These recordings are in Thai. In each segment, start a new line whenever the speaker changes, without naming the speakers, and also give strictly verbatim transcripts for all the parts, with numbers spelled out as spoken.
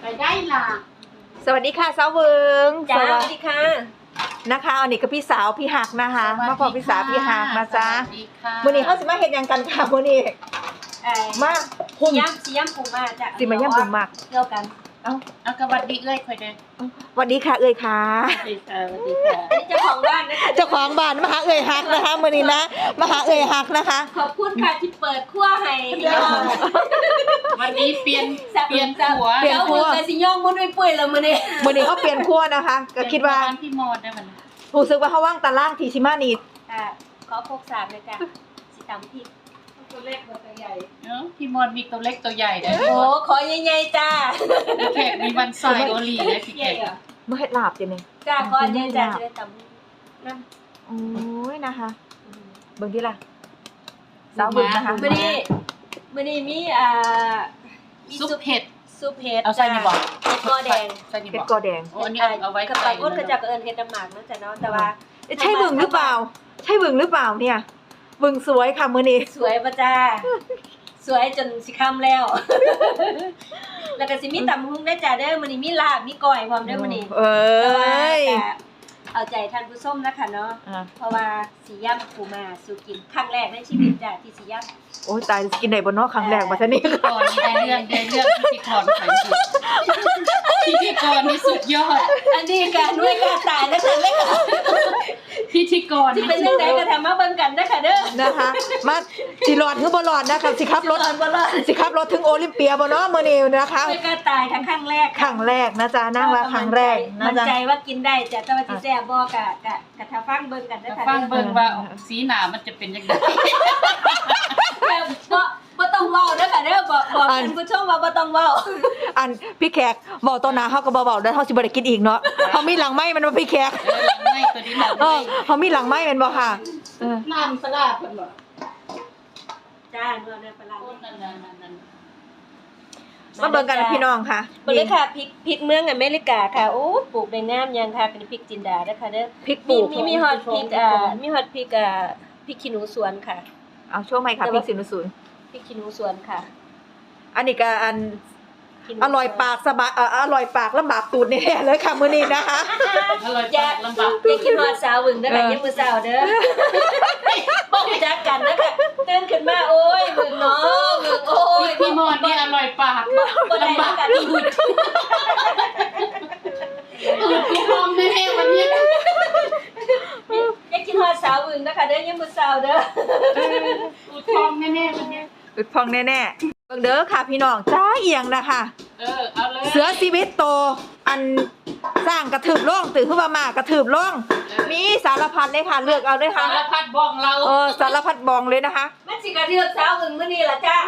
ได้ล่ะ
สวัสดีค่ะสาวเวิง
จ้าสวัสดีค่ะ
นะคะอันนี้ก็พี่สาวพี่หักนะคะมาพอพี่สาวพี่หักนะจ๊ะ
สวัสดีค่ะ
วันนี้เขาสิมาเห็นยังกันค่ะวันนี้มาหุ่ม
ย่ำสีย่ำปูมาจ้ะ
สิมาย่ำบุมมาก
เกี่ยวกัน
เอ้า
เอากระวัดดีเอ้ยคอยเด้อ
สวัสดีค่ะเอ่ยค่ะ
สวัสดีค่ะสวัสดีค่ะ
อันนี้เจ้าของบ้านนะคะ
เจ้าของบ้านมาหาเอ่ยหักนะคะวันนี้นะมาหาเอ่ยหักนะคะ
ขอบคุณค่ะที่เปิดขั้วให้พี่น้อง
วันนี้เปลี่ยนเปลี่ยนหัว
เปลี่ยน
เจ้ามือกับสิย่องมุดไม่ปุ้ยแล้วมื้อนี้
วันนี้เขาเปลี่ยนขั้วนะคะ ก็คิดว่า
เปลี่ยนพี่มอดได้มัน
รู้สึกว่าเขาว่างตารางทีชิมานี
ค่ะขอพกสามเลยจ้ะสิตำพริกตัวเล็กตัวใหญ่
เนาะพี่มอดมีตัวเล็กตัวใหญ่ได้
โอ้ขอใหญ่ๆจ้า
พี่แขกมีวันใส่โอลีเลยพี่แขก
เมื่อเฮ็ดลาบจังเลย
จ้าขอใหญ่ๆจ้าจะได้ตำนั่น
โอ้ยนะคะเบิ่งที่ล่ะสาวเบิ่งนะคะ
มื้อนี้มื้อนี้มีอ่ามี
ซุปเห็ด
ซุปเห็ด
เอาใส่นี่บ่
เห็ดกอแดง
ใส่นี่
เฮ็ด
บ่
กอแดง
โอ้อันนี้เอาไว้
กับ
ใส่
ปากก้นกระจับกับเอิญเฮ็ดน้ำหมากนั่นจ้ะเนาะแต่ว่า
ใช่เบิ่งหรือเปล่า ใช่เบิ่งหรือเปล่าเนี่ยเบิ่งสวยค่ะมื้อนี้
สวยป่ะจ้าสวยจนสิค่ำแล้ว แล้วก็สิมีตำหุ้งได้จ้าเด้อมื้อนี้มีลาบมีก้อยพร้อมเด้อมื้อนี้
เอ้ย
แต่ว่าก็เอาใจท่านผู้ชมนะคะเนาะ
อ่ะ
เพราะว่าสิย่ำปูมาสู่กินครั้งแรกในชีวิตจ้ะที่สิย่
โอ้ยตายกินได้บ่เนาะครั้งแรกว่าซะนี่
พิธีกรนี่ได้เรื่องได้เรื่องพิธีกรใส่สุดพิธีกรนี่สุดยอด
ำอันนี้การด้วยการตายนะคะเลยค่ะ
พิธีกร
ที่เป็นจังไดก็ทำมาเบิ่งกันนะคะเด้อ
นะคะมาสิรอดหรือบ่รอดนะคะสิขับรถ
รอดบ่รอด
สิขับรถถึงโอลิมเปียบ่เนาะมื้อนี้นะคะ
ด้วยการตายทั้งครั้งแรก
ครั้งแรกนะจ๊ะนั่งว่าครั้งแรกนะ
มั่น
จ๊ะ
ใจว่ากินได้จ้ะแต่ว่าสิแซ่บบ่กะกะกะถ้าฟังเบิ่งกันนะคะ
ฟังเบิ่งว่าสีหน้ามันจะเป็นยังไง
บ่บ่ต้องเว้าเด้อค่ะเด้อบอกบอกท่านผู้ชมว่าบ่ต้องเว้า
อันพี่แขกบอกต่อหน้าเฮาก็บ่เว้าแล้วเฮาสิบ่ได้กินอีกเนาะเฮามีหลังไม้มันบ่พี่แขก
เออหลังไม่ตัวนี้หลัง
เอ
ไม่
อเฮามีหลังไม้แม่นบ่ค่ะเออ
น้ำสลัดเพิ่นบ่
จ้าเนื้อเนื้อปลาร้า
โอ้นั่นนั่นนั่นนั่น
มาเบิ่งกันพี่น้องค่ะ
เบิ่งเลยค่ะพริกพริกเมืองอเมริกาค่ะโอ้ปลูกได้งามยังค่ะเป็นพริกจินดาเด้อค่ะเด้อ
พริกป
มี
ลูก
มีมีฮอตพริกอ่ามีฮอตพริกอ่าพริกขี้หนูสวนค่ะ
เอาช่วงใหม่ค่ะพริกสินศูนย์
พริกขี้หนูสวนค่ะ
อันนี้ก็อัน
ขี้หนู
อร่อยปากสบายเอ่ออร่อยปากลำบากตูดแน่ๆเลยค่ะมื้อนี้นะคะ
อร่อย
อย่า
ปากลำบาก
อย่าคิดฮอดสาวหึงเด้อค่ะ
เออ
ยังมื้อเช้าเด้อบ่รู้จักกันเด้อค่ะตื่นขึ้นมาโอ้ยหึงเนาะหึงโอ้ย
พี่มอนนี่อร่อยปาก
บ่ได้แล้วกัน
อืดกูพร้อมแน่ๆวันนี้
อย่าคิดฮอดสาวหึงเด้อค่ะเด้อยังมื้อเช้าเด้อ
กูพร้อมแน่ๆวันนี้
อึดพองแน่ๆเบิ่งเด้อค่ะพี่น้องจ้าเอียงนะคะ
เออเอาเลย
เสือชีวิตโตอันสร้างกระถืบล่องตื่นขึ้นมามากระถืบล่องมีสารพัดเลยค่ะเลือกเอาเลยค่ะ
สารพัดบ้องเรา
เออสารพัดบองเลยนะคะ
มันสิกระเทือกสาวหึงมื้อนี้ล่ะจ้า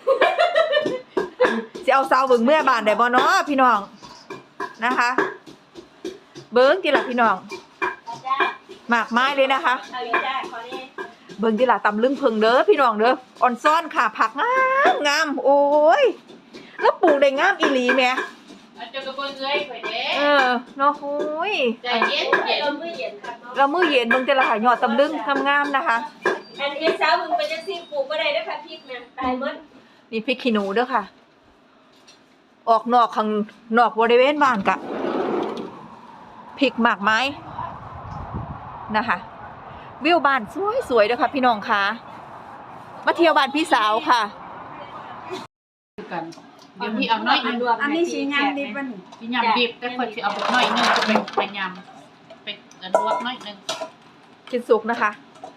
สิเอาสาวเบิ่งเมื่อบานได้บ่เนาะพี่น้องนะคะ เบิ่งทีละพี่น้อง
จ้า
หมากไม้เลยนะคะ
เอาอีกจ้าขอนี้
เบิ่งทีละตำลึงเพิงเด้อพี่น้องเด้ออ่อนซ่อนค่ะผักงามงามโอ้ยแล้วปลูกได้งามอีหลีแหม
เอาเจ้ากระเบื้องเอ้ยไปเด้
เออเนาะโอ้ย
ใจเย็นเย็น
เรามื้อเย็นครับเนาะ
เรามื้อเย็นเบิ่งทีละค่ะยอดตำลึงงามๆนะคะ
อันเอ็ดสาวหึงไปจังซี่ปลูกบ่ได้เด้อค่ะพริกนะตายหมด
นี่พริกขี้หนูเด้อค่ะ ออกนอกข้างนอกบริเวณบ้านกะพริกหมากไม้นะคะ วิวบ้านสวยๆเด้อค่ะพี่น้องค่ะมาเที่ยวบ้านพี่สาวค่ะ
กันเดี๋ยวพี่เอาน้อยนึง
อันนี้สียำดิบบ่นี่
พี่ยำดิบแต่คนสิเอาไปน้อยนึงจะไปไปยำไปลวกน้อยนึง
กินสุกนะคะ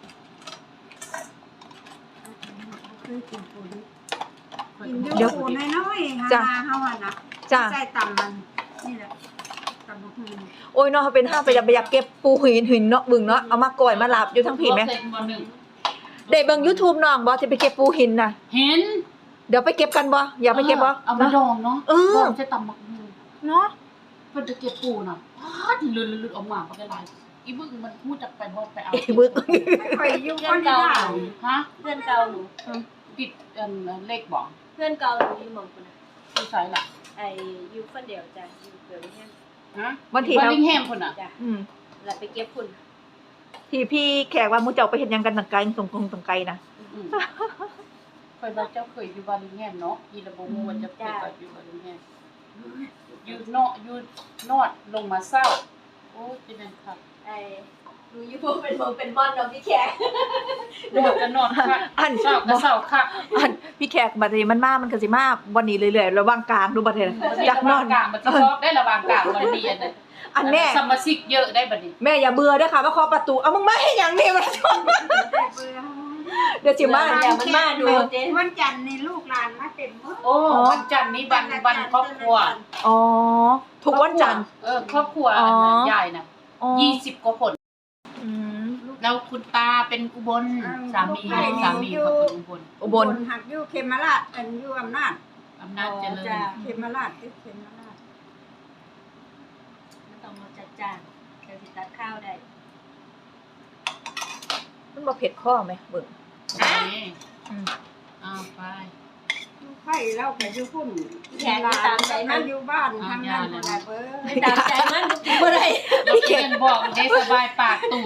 เดี๋ยวปูน้อยๆ
จ้ะ
ฮาฮาว่านะ
จ้า
ใส่ตำมันนี่แหละตำบักหุ่ง
โอ้ยเนาะเป็นห้างไปอยากไปอยากเก็บปูหินหินเนาะบึงเนาะเอามาก่อยมาลาบอยู่ทั้งผีไหม
เสร็จบ่หนึ่ง
ได้เบิ่ง YouTube น้องบ่จะไปเก็บปูหินน่ะ
เห็น
เดี๋ยวไปเก็บกันบ่อยากไปเก็บบ่
เอามาดองเนาะ
เออ
ดองใส่ตำบักหุ่ง
เนาะ
เพิ่นจะเก็บปูน่ะพาดลืดๆออกมาบ่ได้หลายอีบึ้งมันพูดจักไปบ่ไปเอา
ไอ้บึก
คอยอยู่คนเดียว
ฮะ
เพื่อนเก่าหนู
ปิดอันเลขบ่
เพื่อนเก่าหนูอยู่หม่องพุ่นน่ะ
ผู้ชายล่ะ
ไอ้อยู่คนเดียวจ้ะอยู่เกิดเฮียน
ฮะ
วันที่
บ
เรา
ริงแฮมพุ่นน่ะ
จ้ะ
อืม
แล้วไปเก็บพุ่น
ที่พี่แขกว่ามูเจ้าไปเห็นยังกันต่างไกลตรงตรงต่างไกลนะ
อืมเคยว่าเจ้าเคยอยู่บริงแฮมเนาะอีระบ่ฮู้ว่าจะเคยอยู่บริงแฮมเนาะอยู่นอดลงมาเศร้าโอ้จะเป็นครับ
ไอ้หนูอยู่พวกเป็นโมเป็นบอลดอกพี่แขก
นอดก็นอดค่ะ
อัน
เศร้าก็เศร้าค่ะ
อันพี่แขกบัดนี้มันมามันก็สิมาวันนี้เรื่อยๆระหว่างกลางดูบัดนี้จากนอน
กลางมันจะชอบได้ระหว่างกลางมันดีอันนั้น
อันแม่
สมาชิกเยอะได้บัดนี้
แม่อย่าเบื่อเด้อค่ะมาเคาะประตูเอามึงมาให้หยังนี่มันเดี๋ยวสิมา
อย่ามันมาดูเจ๊
วันจันทร์นี่ลูกหลานมาเต็มหมด
โอ้วันจันทร์นี้วันวันครอบครัว
อ๋อทุกวันจันทร์
เออครอบครัว
อ๋อ
ใหญ่น่ะ
อ๋อ
ยี่สิบกว่าคน
อืม
แล้วคุณตาเป็นอุบลสามีสามีเขาเป็นอุบล
อุบล
หักอยู่เขมราชอันอยู่อำนาจ
อำนาจเจริญ
เขมราชที่เขมราช
ไม่ต้องมาจัดจานเดี๋ยวสิตัดข้าวได้
มันบ่เผ็ดข้อไหมเบิ่ง
นี่
อืม
อ้าวไป
ไข่เล่าไปอยู่พุ่น
แขกตามใจมัน
อยู่บ้านทำงานบ่ได้เบ้อ
ไม่ตามใจมันทุกทีเมื่อไร
เราเขียนบอกได้สบายปากตูด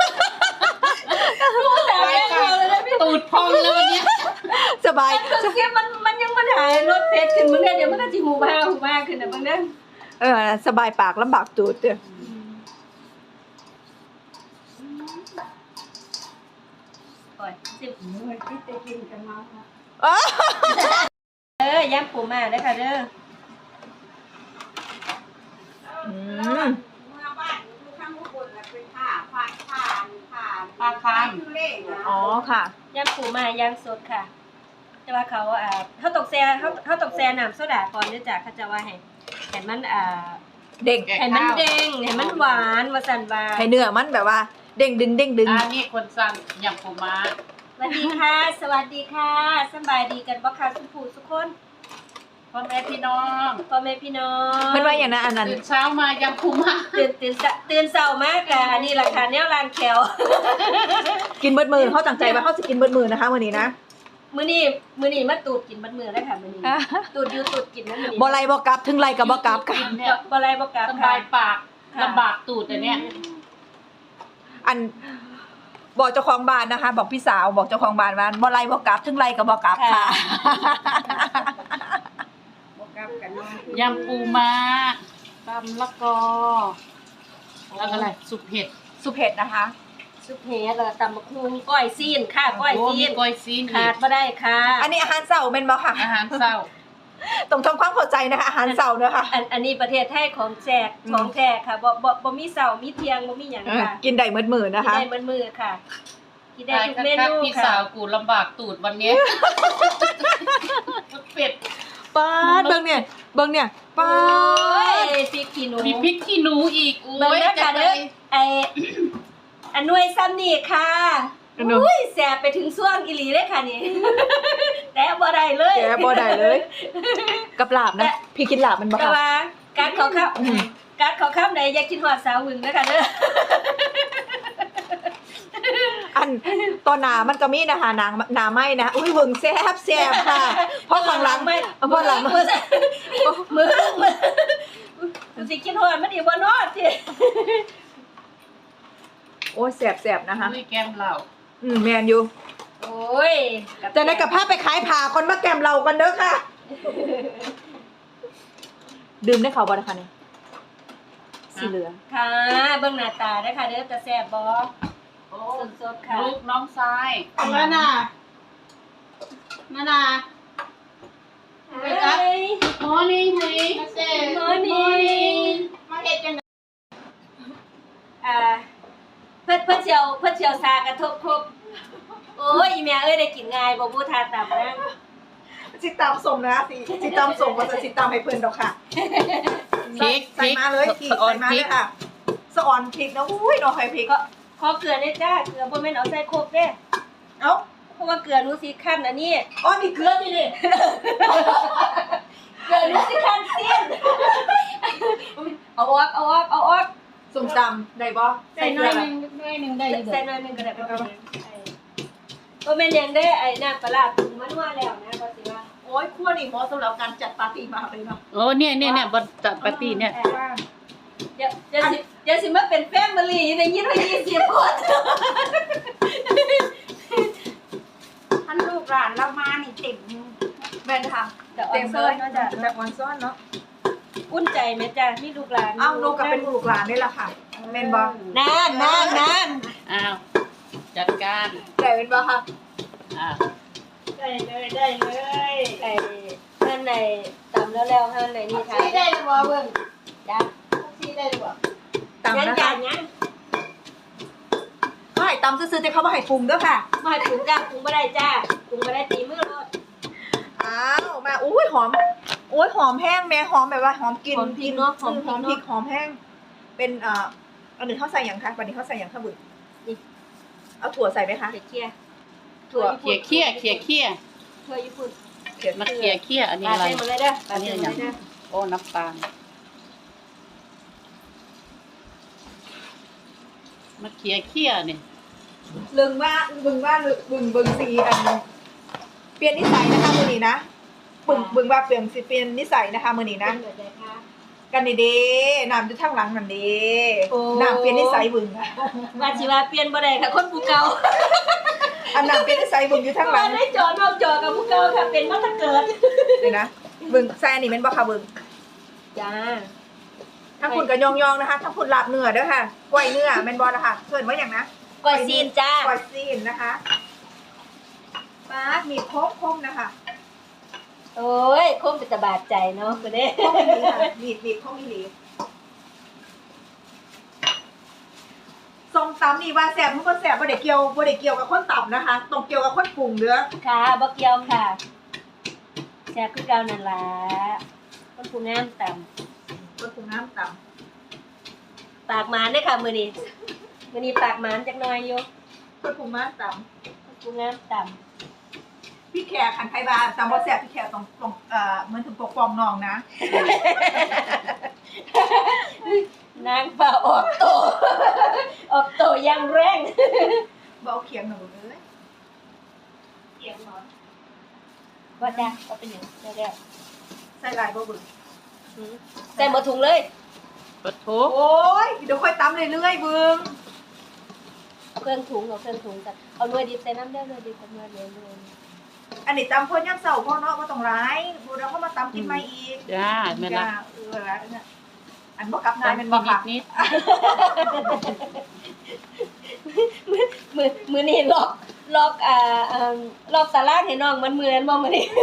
แต่แม่เราเลยนะพี่
ตูดพองแล้ววันเนี้ย
สบาย
คือแค่มันมันยังมันหายรถเพชรขึ้นมึงเนี่ยเดี๋ยวมันก็จะหูบ้าหูบ้าขึ้นนะมึงเนี่ย
เออสบายปากลำบากตูดเด้อ
โอ้ยสิบ
เมื่อที่จะกินกันมา
อ๋อ
เออย่ำปูมาได้ค่ะเด้อ
อืม
เมื่อบ้านอยู่ข้างอุบลแล้วไปผ่าผ่าผ่าผ่า
ปลาคาง
ทุเล่นะ
อ๋อค่ะ
ย่ำปูมาย่างสดค่ะ แต่ว่าเขาอ่าเขาตกแซ่เขาเขาตกแซ่น้ำโซดาก่อนเนื่องจากเขาจะว่าให้ให้มันอ่า
เด้ง
ให้มันเด้งให้มันหวานว่าสันว่า
ให้เนื้อมันแบบว่า เด้งดึงเด้งดึง
อันนี้คนสั่งอย่างปูม้า
สวัสดีค่ะ สวัสดีค่ะสบายดีกันบ่ค่ะสุภูสุกคน
พ่อแม่พี่น้อง
พ่อแม่พี่น้อง
มันว่าอย่างนั้นอันนั้น
ตื่นเช้ามายำปูม้า
ตื่นตื่นสะตื่นเช้ามากกะนี่ราคาแนวรางแขว
กินเบิดมือเขาตั้งใจว่าเขาจะกินเบิดมือนะคะวันนี้นะ
มื้อนี้มื้อนี้มาตูดกินบัดมื้อแล้วค่ะมื้อนี้ตูดอยู่ตูดกินนะมื้อนี้
บ่ไรบ่กลับถึงไรกับบ่กลับค่ะ
กินเนี่ย
บ่ไรบ่กลับ
ส
ค่ะ
บายปากลำบากตูดแต่เนี้ย
อันบอกเจ้าของบ้านนะคะ บอกพี่สาวบอกเจ้าของบ้านว่าบ่ไรบ่กลับถึงไรกับบ่กลับค่ะ
บอกกับกันน้อง
ยำปูม้าตำละกอแล้วก็อะไรสุกเห็ด
สุเผ็ดนะคะ
ซุปเฮ็ดแล้วก็ตำบักหุ่งก้อยซีนค่ะก้อย
โอ้
ซี
มี
น
ก้อยซีนอี
ขาด
ก
บ่ได้ค่ะ
อันนี้อาหารเช้าแม่นบ่ค่ะ
อาหารเช้า
ต้องทำความเข้าใจนะคะ อาหารเช้าเด้อค่ะ
อันอันนี้ประเทศไทยของแจก
อืม
ของแท้ค่ะบ่บ่บ่มีเสาร์มีเที่ยงบ่มีหยัง
เออ
ค่ะ
กินได้มื้อมื้อ
กิ
นะ
น
คะ
ได้มื้อมื้อค่ะกินได้ทุกเม
คัก
นู
ๆพี่สา
ค่ะ
วกูลำบากตูดวันเนี้ยเป็ด
ป้าดเบิ่งเนี่ยเบิ่งเนี่ยป้า
โอ้ย
ด
พริกขี้หนู
มีพริกขี้หนูอีกโอ้
เบิ่ง
ย
เด้อ
จะ
ค่ะ
ไป
เด้อไออันหน่วยซ้ำนี่ค่ะ
อันนู้น
อุ้ยแสบไปถึงช่วงอีหลีเลยค่ะนี่ แต่บ่ได้เลย
แกบ่ได้เลย กับลาบนะ พี่กินลาบมันบ่
แต่
ค่ะ
ว่าการขอข้าว
อืม
การขอข้ามใดอย่าคิดฮอดสาวหึงนะคะเด้อ
อันตอนหนามันก็มีนะคะนางหนาไหมนะอุ้ยเบิ่งแซ่บแซ่บค่ะ เพราะข้างหลัง
ไม่
เพราะหลัง
มือมือมือมือสิคิดฮอดมันอีบ่นอดติ
โอ้ยแซ่บแซ่บนะคะ
อุ้ยแก้มเหล้า
อืมแมนอยู่
โอ้ย
จะได้กับผ้าไปขายผ่าคนมาแกมเรากันเด้อค่ะ ดื่มได้เขาบ่นะคะเนี่ยสีเหลือง
ค่ะเบิ่งหน้าตาเด้อค่ะเด้อจะแซ่บบ่
โอ้
สดๆค่ะ
ลูกน้องชาย
แล้วน่ะนั่นน่ะ
เฮ้ย
มอร์นิ่งเฮ้ย
morning
มาเฮ็ดจัง
อ่าเพิ่นเพิ่นเชียวเพิ่นเชียวซากระทบครบโอ้ยอีแม่เอ้ยได้กินง่ายบ่บูทาตามนะ
สิตามสมนะสิสิตามสมว่าจะสิตามให้เพิ่นดอกค่ะ
พริก
ใส่มาเลยพริก
สะออ
ใส่
น
มา
พริ
เล
ก
ยค่ะสะออนพริกนะอุ้ยน้องไข่พริก
ก็ขอเกลือเนี่ยจ้าเกลือบ่แม่นเอาใส่ครบเด้
เอ้า
เพราะว่าเกลือหนูสิคั่นอันนี้
อ๋อนี่เกลือนี่นี่
เกลือหนูสิคั่นเสี้ยนเอาออกเอาออกเอาออก
ส้มตำได้บ่
ใส่น้อยหนึงน้อยหนึงได้อยู่
ใส่หน่อยหนึงก็ได้บ่เป็นหยังบ่แม่นหยังเด้ไอ้น้ำปลาร้าปรุงมานัวแล้วนะก็สิว่า
โอ้ยคั่วนี่เหมาะสำหรับการจัดปาร์ตี้มากเลยเนาะ
โอ้เนี่ยเนี่ยเนี่ยบนจัดปาร์ตี้เนี่ย
ว่า
เดี๋ยวเดี๋ยวสิเดี๋ยวสิมาเป็นแฟมิลี่ได้ยินว่ายี่สิบคน
ท่านลูกหลานเรามานี่เต็ม
แม่นค่ะ
เดี๋ยวออ
เต็
น
ม
เซิ
เล
ร์
ย
นเนาะจ้ะ
แบบออนซ่อนเนาะ
อุ่นใจส่แม่จ้ะมีลูกหลาน
อ้าวหนูก็เป็นลูกหลานนี่แหละค่ะแม่นบ่
นานนานนาน
อ้าวจัดการ
ได้เป็นบ่ค่ะ
อ่า
ได้เลยได้เลย
ไอ้เพิ่นในตำแล้วแล้วเพิ่นในนี่ทา
ซีได้หรือเปล่าเบิ่ง
จ้ะ
ซีได้หรือเปล่า
ตำ
ยัง
นะ
จ้ะ
คะ
ยัง
ไม่ตำซื่อๆแต่เขาบ่ให้ปรุงเด้อค่ะ
มาให้ปรุงจ้ะปรุงบ่ได้จ้ะปรุงบ่ได้ตีมือรถ
อ้าวมาอุ้ยหอมโอ้ยหอมแห้งแม่หอมแบบว่าหอมกลิน
หอมพริกเนาะหอมพ
ห
ริ
อก มพริ
เนาะ
กหอมแห้งเป็นเอ่ออันนี้เขาใส่อย่างคะวันนี้เขาใส่อย่างข้าวบุญ
นี่
เอาถั่วใส่ไหมคะ
เคี่ย
ถั่ว
เขี่ยเขี่ยเขี่ยเขี่ย
ๆถั่วญี่ปุ่น
เขียน
มาเขี่ยเขี่ยอันนี้
ปา
อะไร
ใส่หมดเลยเด้อ
อันนี้
ปา
อะ
ใส่
ไร
หมดเลยเด้อ
โอ้น้ำตาลมาเขี่ยเขี่ยนี่
ลึงว่าบึงว่าบึงบึงสีอันเปลี่ยนนิสัยนะคะมือนี้นะบึงบึงว่าเปลี่ยนสิเปลี่ยนนิสัยนะคะมือนี้นะ
เดี๋ยวได้ค่ะ
กันดีเด้น้ำอยู่ทางหลังนั่นเด้
โอ้
น้ำเปลี่ยนนิสัยบึงอะ
ว่าสิว่าเปลี่ยนบ่ได้ค่ะคนผู้เก่า
อันน้ำเปลี่ยนนิสัยบึงอยู่ทางหลั
ว่าง ได้จอนอกจอกับผู้เก่าค่ะเป็นมาตั้งเกิด
เลยนะบึงแซ่นี่เป็นบ่ค่ะบึง
จ้า
ถ้าคุณก็ยองยองๆนะคะถ้าคุณลาบเนื้อเด้อค่ะกล้วยเนื้อแม่นบ่นะคะเกินว่าอย่างนะ
ก้อยซีนจ้าก
ล้วยซีนนะคะปาดมีโคกคมนะคะ
โอ้ยคงเป็นตะบาดใจเนาะคือเด้
คมอีหลีค่ะมีดมีดคมอีหลีส้มตำนี่ว่าแซ่บมันก็แซ่บบ่ได้เกี่ยวบ่ได้เกี่ยวกับคนตำนะคะต้องเกี่ยวกับคนปรุงเด้อ
ค่ะบ่เกี่ยวค่ะแซ่บคือเก่านั่นล่ะคนผู้งามต่ำ
คนปรุงน้ำต
ปากหมานเด้อค่ะมื้อนี้มื้อนี้ปากหมานจักหน่อยอยู่
ำคนปรุงน้ำต
คนผู้งามต่ำ
ำพี่แขกขันไทยบาตำบ่แซ่บพี่แขกต้องต้องเอ่อเหมือนถึงปกป้องน้องนะ
นางฟ้าออกโต ออกโตอยังแรง
บ่เอาเขียงหนูเลย
เสียงหมอนว่าจ้าก็เป็นหยังได้แล้ว
ใส่ลายบ่เบึง
หือใส่หมดถุงเลย
ปะโถ
โอ้ยเดี๋ยวค่อยตำเรื่อยๆเบึง
เอาเครื่องถุงเอาเครื่องถุงกันเอาหน่วยดิบใส่น้ำเด้อหน่วยดิบกับหน่วยเหลวหน่วย
อันนี้ตำพ่นย่ำเสาพ่อเนาะบ่ต้องร้ายบูเราเข้ามาตำกินใหม่อีก
จ้าแม่นละ
จ้าเออละเนี่ยอันบ่กลับงานแม่นบ่ค่ะ
นิด
มือมือนี่ล็อกล็อกอ่าอ่าล็อกตารางให้น้องมันมือนั้นบ่มื้อนี้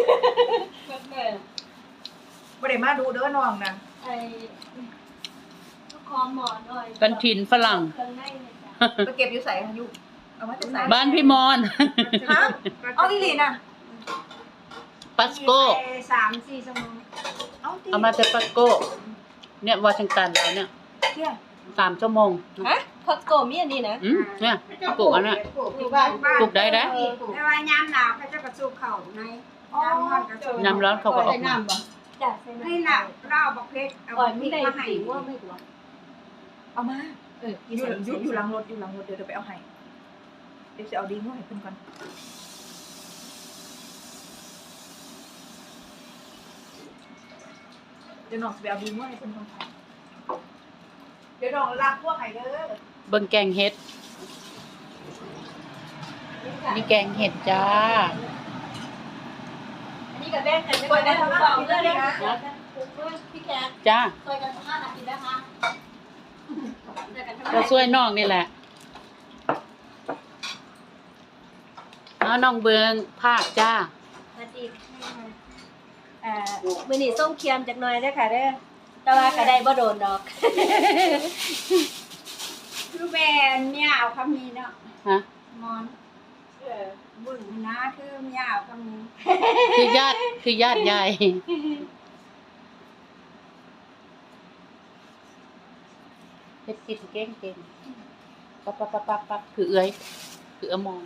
บ่ได้มาดูเด้อน้องนะ
ไอ้ลูกคอหมอหน่อย
กันถิ่นฝรั่ง
เครื่องในเลยจ้ะ
ไปเก็บอยู่ไสค่ะอยู่เอามาจากไส
บ้านพี่มอน
ฮะเอาอีหลีน่ะ
ปัสโก้
ไปสามสี่ชั่วโมง
เอาติ
เอามาจากปัสโก้ เนี่ยวอชิงตันแล้วเนี่ย
เที่ย
สามชั่วโมง
ฮะคอสโกมีอันนี้นะ
อืมเนี่ยปลูกอันน่ะ
ปลูกที่บ้าน
ปลูกได้นะ
แต่ว่ายามหนาวเขาจะกระสูบเข่าในยามร้อนกระสูบ
น้ำร้อนเขาก็ออกมา
จ้ะใส่
ให้
น้ำ
หนาวเล่าบักเพชรเอา
ก่อน
พ
มี
ริก
ได้
มาให้
ตีว่าไม่กลัว
เอามา
เออ
อยู่อยู่อยู่หลังรถอยู่หลังรถเดี๋ยวเดี๋ยวไปเอาให้เดี๋ยวจะเอาดีงัวให้เพิ่นก่อนเดี๋ยวน้องสิไปเอาดีงัวให้เพิ่นก่อนค่ะเดี๋ยวน้องลากพวกให้เด้อ
เบิ่งแกงเห็ด นี่แกงเห็ดจ้า
อันนี้ก็แบ่งกัน
เปิดได้ทั้ง
เบา
อาทิตย์
เล
เลย ย
นะ
นะ
พี่แขก
จ้า
ซอยกันห้านาทีนะคะ
ก็ช่วยน้องนี่แหละเอาน้องเบืองภาคจ้า
สวัสดีค่ะอ่ามื้อนี้ส้มเคียมจักหน่อยเด้อค่ะเด้อแต่ว่าก็ได้บ่โดนดอก
คือแบนเนี่ยเอาคำนี้เนาะ
ฮะ
มอนเออบุญนะคือเนี่ยเอาคำนี้
คือญาติ คือญาติยายเฮ็ดกินเก่งเก่งปั๊บปั๊บปั๊บปั๊บปั๊บคือเอื้อย คือเอื้อมอง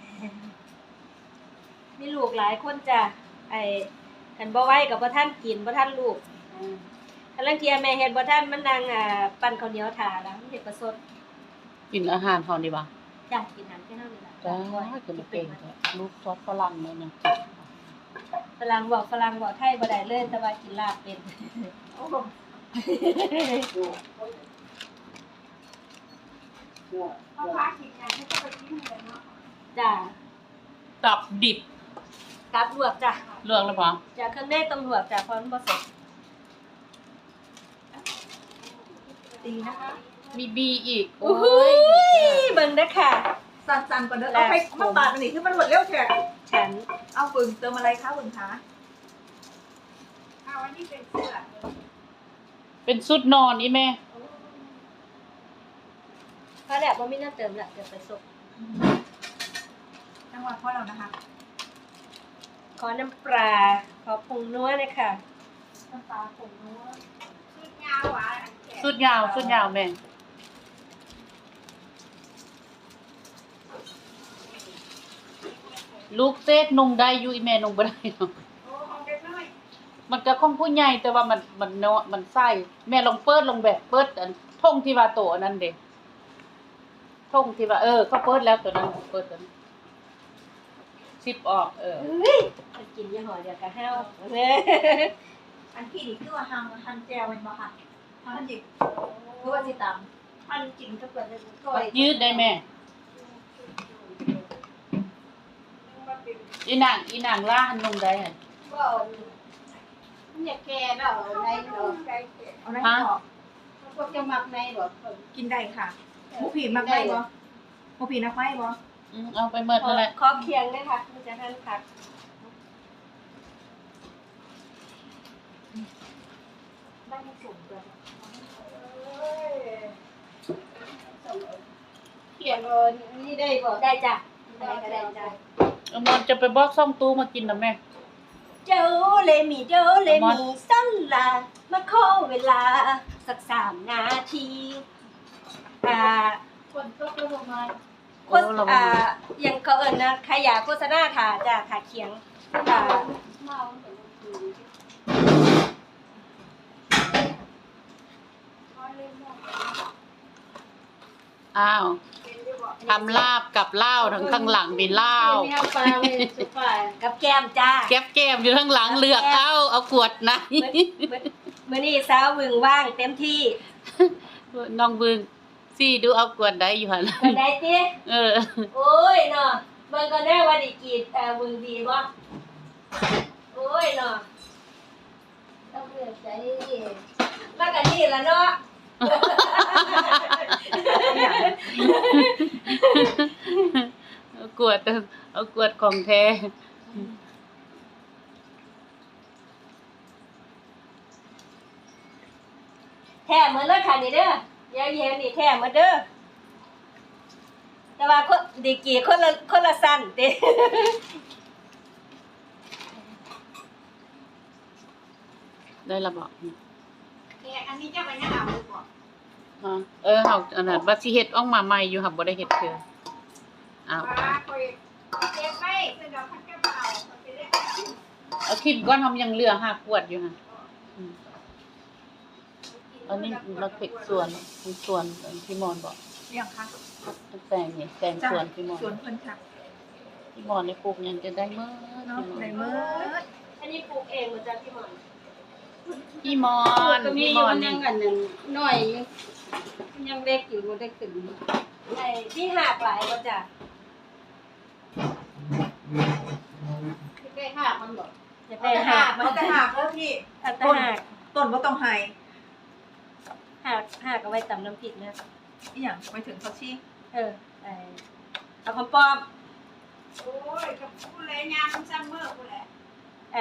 มีลูกหลายคนจ้ะไอ้คันบ่ไหวกับบ่ทันกินบ่ทันลูกคันลังเทียแม่เฮ็ดบ่ทันมันนั่งอ่าปั่นข้าวเหนียวทาแล้วมันเฮ็ดประสด
กินอาหารเฮาดีบ่
จ้ะกินน้ำแค่นั้นนี่ล่ะ
จ้าคือมันเก่งจ้ะลูกซอสฝรั่งเนี่ยนะ
ฝรั่งบอกฝรั่งบอกไทยบ่ได้เลยแต่ว่ากินลาบเป็น
โอ้โหเพราะว่ากินอย่างที่จะไปกินเลยเนาะ
จ้ะ
ตับดิบ
กับลวกจ้ะ
เลือกแล้วบ่
จ้ะเครื่องในต้องลวกจ้ะเพราะมันบ่สด
ตีนะคะ
มีบีอีก
โอ้ยเบิ่งเด้อค่ะ
สั่นๆก่อนเด้อเอาไปมาปาดอันนี้คือมันหมดเร็วแท้
ฉัน
เอาบึงเติมอะไรคะบึงคะ
เอาอันนี้เป็นเสื้อ
เป็นสุดนอนอีแม่
พอแล้วบ่มีน้ำเติมละเดี๋ยวไปส่ง
จังหวะพ่อเรานะคะ
ขอน้ำปลาขอผงนัวหนะคะ
น้ำปลาผงนัว
ชุดยาวหวานอันแขน
สุดยาวสุดยาวแม่ลูกเซตนงได้อยู่อีแม่นงบ่ได้เนาะ
โอ้เอาเด็กน้อย
มันก็ของผู้ใหญ่แต่ว่ามันมันเนาะมันไส้แม่ลองเปิดลงแบบเปิดอันท่งที่ว่าโตอันนั้นเด้ท่งที่ว่าเออเขาเปิดแล้วตัวนั้นเปิดตัวนั้นซิปออกเออ
เฮ้ยมันกินยี่ห้อเดียวกับห้าวเด้อ
อันพี่นี่คือว่าฮังฮันแจวเป็นบ่ค่ะฮันจิบคือว่าสิตาม
มันกินก็เปิดได้ก็
ยืดได้แม่อีนางอีนางล่าหันนงได้หั่น
ก็มันอยากแก่เนาะในเนาะ
เอาได้
ฮะ
ออก
พวกจะมักในบ่
กินได้ค่ะหมูผีมักได้บ่หมูผีนักไม้บ่
อืมเอาไปเมิดนั่นแหละ
ขอเคียงด้วยค่ะมันจะหั่นผักบ้านให้สูงด้วยเคียงเออนี่ได้บ่ได้จ้ะได้ก็ได้จ้ะ
เอามันจะไปบอกซ่องตู้มากินนะแม่
เจ้าเลมีเจ้าเลมีสั้นละมาขอเวลาสักสามนาทีอ่า
คนตกลงมา
โฆษอ่าอย่างเขาเอิญนะใครอยากโฆษณาค่ะจะขาเคียงอ่า
อ้าวทำลาบกับเหล้าทั้งข้างหลังมีเหล้า
กับแก้มจ้า
แก้บแก้มอยู่ข้างหลังเลือกเอาเอากวดไหน
มื้อนี้สาววึงว่างเต็มที่
น้องบึงซี่ดูเอากวดได้อยู่หั่น
คนใดติ
เออ
โอ้ยเนาะเบิ่งก็ได้ว่าได้กีดเอ่อวึงดีบ่โอ้ยเนาะต้องเลือกใจแล้วก็นี่ล่ะเนาะ
เอากวดเอากวดของแท้
แท้เหมือนเลยค่ะนี่เด้ออย่าเย็นนี่แท้เหมือนเด้อแต่ว่าคนดีกีคนละคนละสั้นเด้
ได้ละบอก
เนี่ยอันนี้จะไปยังเอาหรือเปล่า
ฮะเออเฮาอันนั้นว่าสิเฮ็ดออกมาใหม่อยู่ค่ะบ่ได้เฮ็ดเทื่ออ้าว
ว่าคอยเก็บไว้เพื่อเราพักกระเป๋าเขาไปเรียก
เอาคลิปก่อนทำยังเหลือห้ากวดอยู่ค่ะอืมอันนี้เราเก็บส่วนส่วนที่มอนบอก
เรื่องค่ะ
แต่งนี่แต่ง
จ้ะ
ส่วนพี่มอน
สวนเพิ่นค่ะ
พี่มอนในปลูกยังจะได้เมื่อ
เนาะในมือ
อันนี้ปลูกเองบ่จ้ะพี่หมอน
พี่มอน
ก็มี
พี่
อ
ม
ยู่
อน
มัน
นี่
ยังกันยังน้อยอยู่มันยังเล็กอยู่บ่ได้ถึง
ไอ้พี่หากหลายบ่จ้ะ
ได้ห้ามันบ่
จะ
เอา
ไป
แต่
หา
หาก กเอาแต่หากเด้อพี่
เอาแต่
ต้น
หาก
ต้นบ่ต้องให้
หากหากเอาไว้ตำน้ำพริกนะ
อีหยังไปถึงเขาชี้
เออไอ้เอาคำป้อม
โอ้ยกับผู้เลยงานซัมเมอร์ผู้แหละ
ไอ้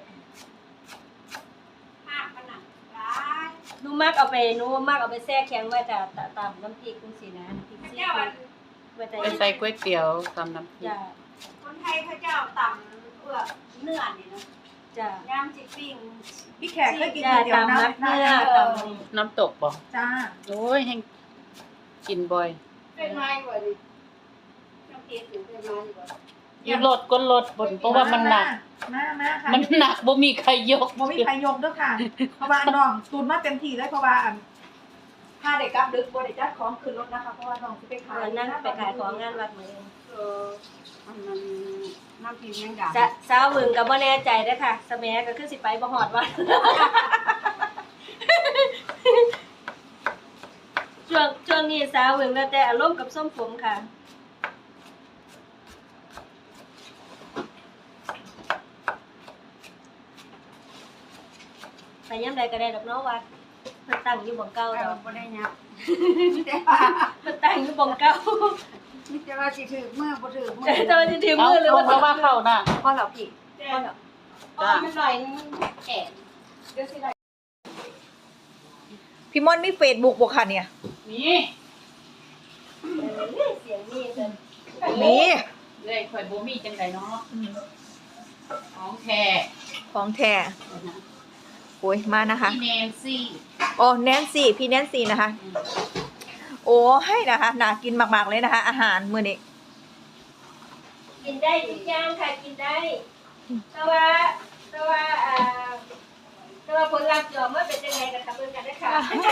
ห้าขนาดร้าย
หนูมักเอาไปหนูมักเอาไปแช่แข็งไว้จ้ะตะตำน้ำพริกจังซี่นะน้ำพริก
พระ
ซี
เจ้า
ฟู้
วัน
ดไว้แต่
ไปใส่ก๋วยเตี๋ยวตำน้ำพริก
จ้ะ
คนไทยพระเจ้าต่ำเอื้อเนื้อนี่นะ
จ้ะ
ย่างจิปิ้ง
พี่แขกเคยกิน
จ้ะ
ก๋วยเตี๋ยว
ตำ
น้ำ
น้ำเนื้อ
เอ
ต
อ
ำ
น้ำตกบอก
จ้า
โอ้ยแห้งกินบ่อย
เป็นไม้กว่าดิต้องเก็บอยู่เป็นไม้ดีกว่า
อยู่รถก็รถบนเพราะว่ามันหนัก
มามาค่ะ
มันหนักบ่มีใครยก
บ่มีใครยกเด้อค่ะ เพราะว่าน้องตูนมาเต็มที่เลยเพราะว่าอันถ้าเด็กกลับดึกบ่ได้จัดของขึ้นรถนะคะเพราะว่าน้องสิไปขาย
วันนั้นไปขายของงานวัดมื้อเอง
เออมันมันน้ำพิมพ์ยังดัง
จะสาววึงก็บ่แน่ใจเด้อค่ะสแมัยก็คือสิไปบ่ฮอดวัด ช่วงช่วงนี้สาววึงแล้วแต่อารมณ์กับส้มผมค่ะ ไปยามใดก็ได้ดอกเนาะวัดเพิ่นตั้งอยู่บ่งเก่า
เรา
ดอก
บ่ได้ยับแต่ว่า
เพิ่นตั้งอยู่บ่งเก่า
มิจะว่าสิถือมือบ่ถือมือ
แต่ว่าสิถึง
เอา
มือหรือ
ล
ว่าง
มาว่าเข้าน่ะ
พ่อเหรอพี่พ่อเหรอ
อ๋อมันหน่อยนึงแข็งเดี๋ยวสิได้
พี่มอนมีเฟซบุ๊กบ่ค่ะเนี่ย
นี่
เสียงนี่เกิน
มี
เลยข่อยบ่มีจังไดเนาะ
อืม
ของแท้
ของแท้โอ้ยมานะคะ
พี่แนนซี่
โอ้แนนซี่พี่แนนซี่นะคะ โอ้ให้นะคะน่ากินมากๆเลยนะคะ อาหารมื้อนี้
กินได้ทุกอย่างค่ะกินได้ แต่ว่าแต่ว่าอ่าแต่ว่าผลลัพธ์จะออกมาเป็นยังไงกันค่ะเบิ่งกันนะคะ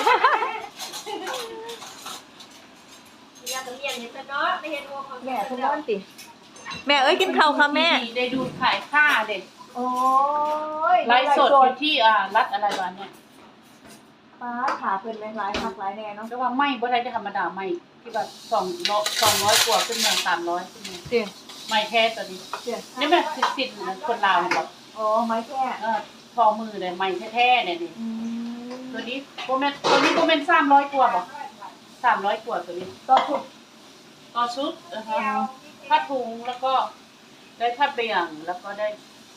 อยากจะเรียนเนี่ยซะเนาะไม่เห็นว่าของ
แม่ทุกคนสิแม่เอ้ยกินข้าวค่ะแม่
ได้ดูขายค่าเด็ก
โอ้ย
ไลฟ์สดอยู่ที่อ่ารัฐอะไรวะเนี่ย
ป้าขาเพิ่นแม่งหลายคักหลายแน่เนาะ
แต่ว่าไม่บ่ได้ธรรมดาไม่ที่แบบสองร้อยสองร้อยกว่าขึ้นมาสามร้อยขึ้นมา
เดี๋ยว
ไม่แท้ตัวนี้
เดี๋ยว
นี่มันสิสิคนลาวเนี่ยบอก
อ๋อไม้แค่
เออทอมือเลยไม่แท้ๆเนี่ยนี่
อืม
ตัวนี้โปรแมนตัวนี้โปรแมนสามร้อยกว่าบอกสามร้อยกว่าตัวนี้
ต่อชุด
ต่อชุดนะคะผ้าถุงแล้วก็ได้ผ้าเบี่ยงแล้วก็ได้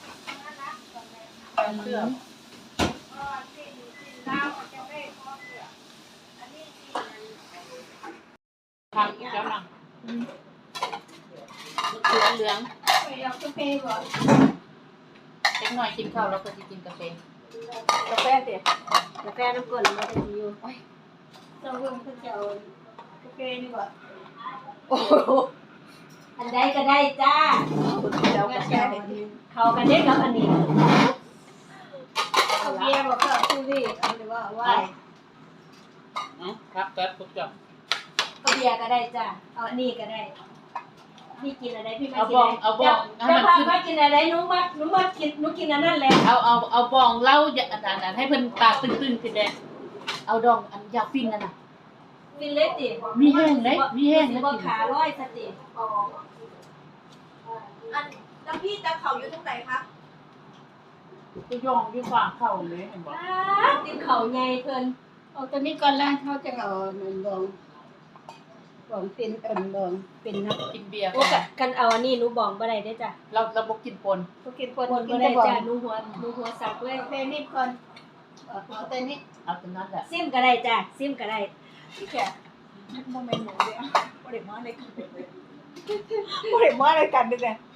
ได้เสื้อทางอีกแล้วนะเหลืองเหลือง
เอากาแฟบ่
เล็กหน่อยกินข้าวแล้วก็จะกินกาแฟ
กาแฟเดี๋ยว
กาแฟน้ำก้นมันจะอยู่เราเพิ่งเพิ่งจะเอากาแฟนี่บ่
โอ้โห
อันใดก็ได้จ้า
เดี๋ยวกาแฟเดี๋ยว
เขากันได้กับอันนี้เอาเบียร์บอกก็เอาซูรี่เอาหรือว่าเอาไว้
เนาะครับแป๊บปุ๊บจับ
เอาเบียร์ก็ได้จ้าเอาอันนี้ก็ได้พี่กินอะไรพี่ไม่
เอา
กิ
บ
น
อง
อะไร
เอาบองให้
จะ
มัน
พา
ขึ้น
มากินอะไรหนูมาหนูมากินหนูกินอันนั้นแหละ
เอาเอาเอาบองเหล่าอย่าอันนั้นให้เพิ่นตาตึงๆขึ้นแดงเอาดองอันยาฟินนั่นน่ะ
กินเล็ดดิ
มีแห้งไหมมีแห้งไหม
บ่ขาร้อยสติ
อันแล้วพี่จะเขาอยู่ตรงไหนคะ
ก็ย่องด้วยฝากเข้าเลยเห็นบ่
ติดเข่าใหญ่เพิ่น
เอาตัวนี้ก่อนแล้วเขาจะเอาหนึ่งบองบองเป็นเอิ่นบองเป็นนะ
กินเบียร์
โอ้กะกันเอาอันนี้หนูบอกบ่ได้เด้อจ้ะ
เราเราบ่กินปน
เขากินคน
คน
กิ
บ่
น
ได้
แต่บอง
จ้ะหนูหัวหนูหัวสักเลย
กาแฟนิดก่อนเอาเอาแต่นี้
เอาตัวนั้นแหละ
ซิมก็ได้จ้ะซิมก็ได้
พี่แขกโมเมนต์หนูเลยอ่ะโมเดลมาเลยกันโมเดลมาเลยกันด้วยเนี่ย